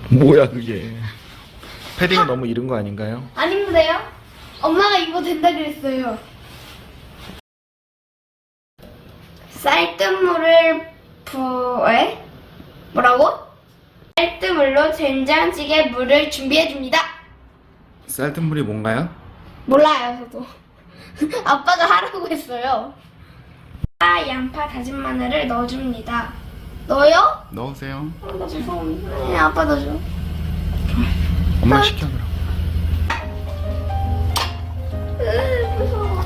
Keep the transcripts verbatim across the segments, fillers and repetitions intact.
뭐야 그게? 패딩은 너무 이른 거 아닌가요? 아닌데요? 엄마가 입어도 된다 그랬어요. 쌀뜨물을 부에 뭐라고? 쌀뜨물로 된장찌개 물을 준비해 줍니다. 쌀뜨물이 뭔가요? 몰라요, 저도. 아빠가 하라고 했어요. 파, 양파, 다진 마늘을 넣어줍니다. 넣어요? 넣으세요. 어, 나 무서워. 아니, 아빠 넣어줘. 엄마 시켜 그럼. 으, 무서워.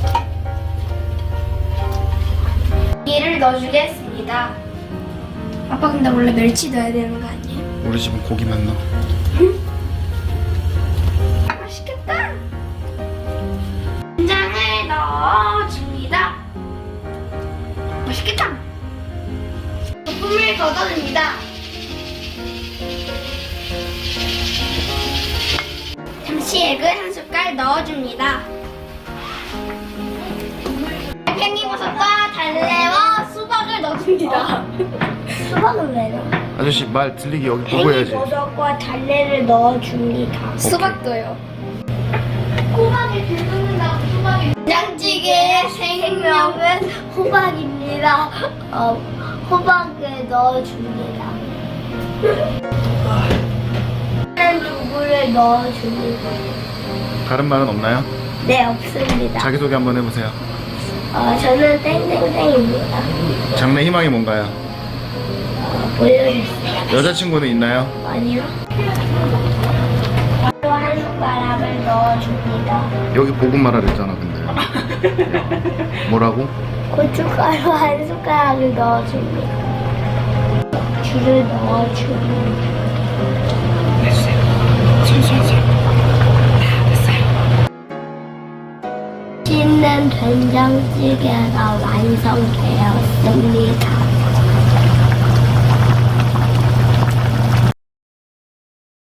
얘를 넣어주겠습니다. 아빠 근데 원래 멸치 넣어야 되는 거 아니에요? 우리 집은 고기만 넣어. 맛있겠다. 된장을 넣어줍니다. 맛있겠다. 소금을 걷어줍니다. 잠시 액을 한 숟갈 넣어줍니다. 팽이버섯과 달래와 수박을 넣어줍니다. 수박을 왜 넣어? 아저씨 말 들리게 여기 보고 해야지. 팽이버섯과 달래를 넣어줍니다. 수박도요. 호박을 들끓는다고 수박이. 된장찌개의 생명은 호박입니다. 어, 호박을 넣어줍니다. 두부를 넣어줍니다. 다른 말은 없나요? 네, 없습니다. 자기소개 한번 해보세요. 어, 저는 땡땡땡입니다. 장래 희망이 뭔가요? 어, 보여주세요. 여자친구는 있나요? 아니요. 또 한 숟가락을 넣어줍니다. 여기 보고 말하라 했잖아 근데. 뭐라고? 고춧가루 한 숟가락을 넣어줍니다. 귤을 넣어줍니다. 맛있는 된장찌개가 완성되었습니다.